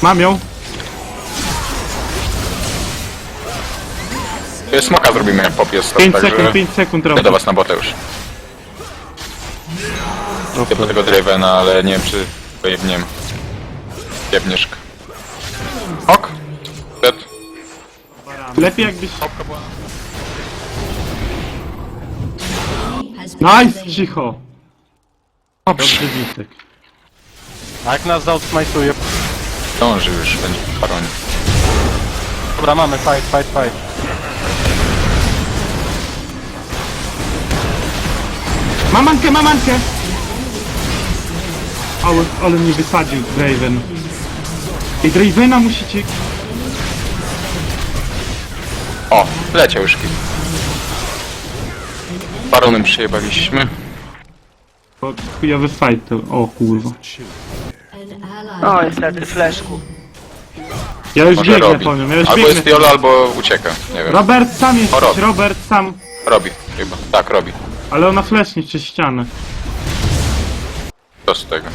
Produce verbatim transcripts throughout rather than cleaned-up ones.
Mam ją. Smoka zrobimy jak pop jest. pięć także sekund, pięć sekund idę robię. do was na botę już. Idę po tego Dravena, ale nie wiem czy pojebniem. Jebnieszka. Ok. Dead. Lepiej jakbyś... Popka była. Nice, cicho. Dobrze, Witek. A jak nas zaoutmajtuje? Dąży już, będzie paronie. Dobra, mamy, fight, fight, fight. Mamankę, mamankę! Ale, ale mnie wysadził Draven. I Dravena musicie... O, leciał już kill. Baronem przyjebaliśmy. Bo chujowy fight to... O kurwa. O, niestety, fleszku. Ja już Może biegnę robi. po nią, ja już Albo biegnę. jest Jolo, albo ucieka. Nie wiem. Robert sam jest, O, robi. Robert sam. Robi chyba. Tak, robi. Ale ona flesznie przez ścianę. Co z tego?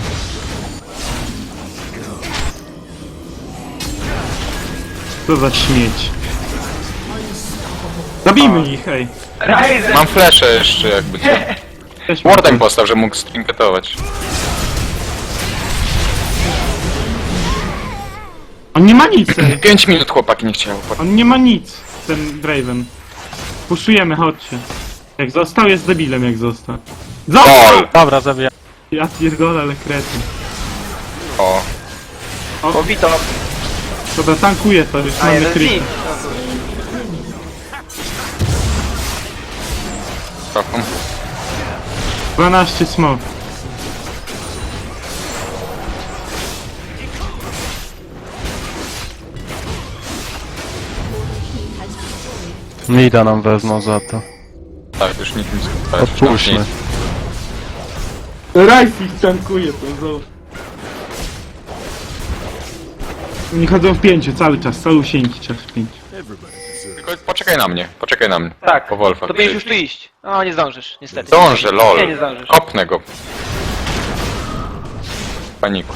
Co za śmieć. Zabijmy ich, ej. Ryzen! Mam flesze jeszcze jakby co. Też Wardem postaw, że mógł strinketować. On nie ma nic, ej. pięć minut chłopaki nie chciało. On nie ma nic, ten Draven. Puszujemy, chodźcie. Jak został, jest debilem jak został. Został! Gol! Dobra, zabijam. Ja pierdolę, ale kretyn. O, Pobito. Dobra, tankuję to, już A mamy jeden kryt. znik. trochę. dwanaście smok. Mida nam wezmą za to. Tak, już nikt nie skupa. Odpuśćmy. Rice ich tankuje, to zobacz. Oni chodzą w pięciu cały czas, całusieńki czas w pięciu. Tylko poczekaj na mnie, poczekaj na mnie. Tak, Po Wolfach. to będziesz już tu iść. No, nie zdążysz, niestety. Dążę, lol. Nie, nie zdążysz. Kopnę go. Paniku.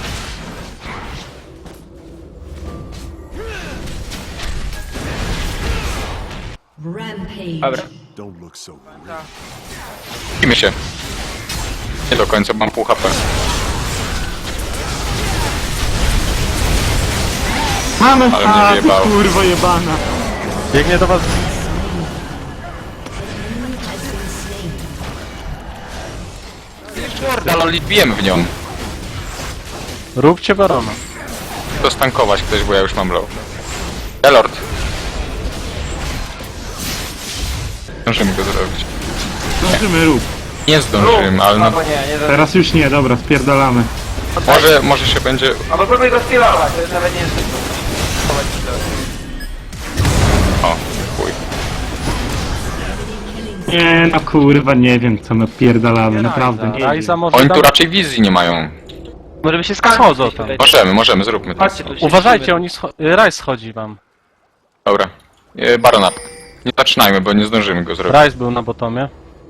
Rampage. Dobra. Kimy się. Nie do końca, mam pół H P. Mamy, Ale mnie a ty wyjebało. kurwo jebana. Biegnie do was. Kurde, lol, bijemy w nią. Róbcie barona. To stankować ktoś, bo ja już mam low. Elord. Zdążymy go zrobić. Zdążymy rób. Nie zdążymy, ale no, Albo nie, nie zdążysz. Teraz już nie, dobra, spierdalamy. może, może się będzie... Albo próbuj go stylować, to jest nawet nie jest chować się do- O, chuj. Nie, no kurwa, nie wiem co my pierdalamy, naprawdę nie Rajza wiem. może Oni tu tam... raczej wizji nie mają. Może by się Schodzą skończyć tam. tutaj. Możemy, możemy, zróbmy to. Chodźcie tu. Uważajcie, oni scho... Rajz schodzi wam. Dobra. E, Baron up. Nie zaczynajmy, bo nie zdążymy go zrobić. Rajz był na botomie.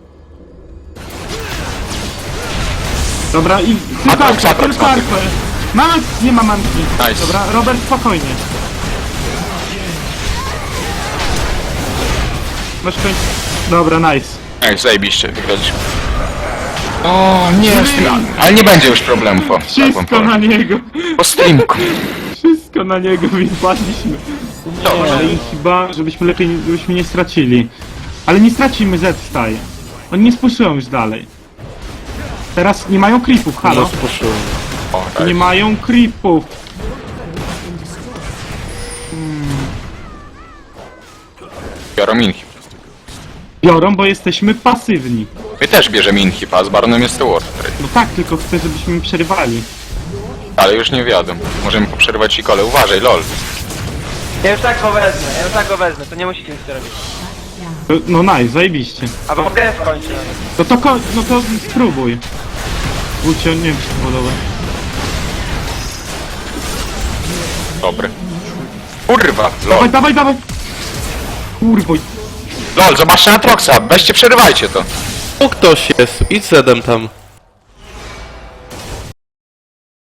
Dobra, i tylko Atrox, arkę, Atrox, tylko Atrox. arkę. Mama, nie ma manki. Nice. Dobra, Robert, spokojnie. Masz koń... Dobra, nice. Ej, zajebiście, wygraliśmy. O, nie, z tym, ale nie będzie już problemów. O, tak wam Wszystko powiem. na niego. Po streamku. Wszystko na niego wypadliśmy. Nie, ale i chyba, żebyśmy lepiej, nie- żebyśmy nie stracili. Ale nie stracimy, Z wstaje. Oni nie spuszują już dalej. Teraz nie mają creepów, halo. O, tak. Nie mają creepów. Biorą inhib. Biorą, bo jesteśmy pasywni. My też bierzemy inhib, a z Baronem jest to Ward. No tak, tylko chcę, żebyśmy przerywali. Ale już nie wiadomo. Możemy poprzerywać i kole. Uważaj, lol. Ja już tak go wezmę, ja już tak go wezmę, to nie musicie nic robić. No, no nice, zajebiście. Albo grę skończę nawet. No to, ko- no to spróbuj. Wójcie, nie wiem, czy to podoba. Dobry. Kurwa, Dawaj, lol. dawaj, dawaj! Kurwo, Lol, zobaczcie na Troxa. Weźcie, przerywajcie to. Tu ktoś jest, idź zedem tam.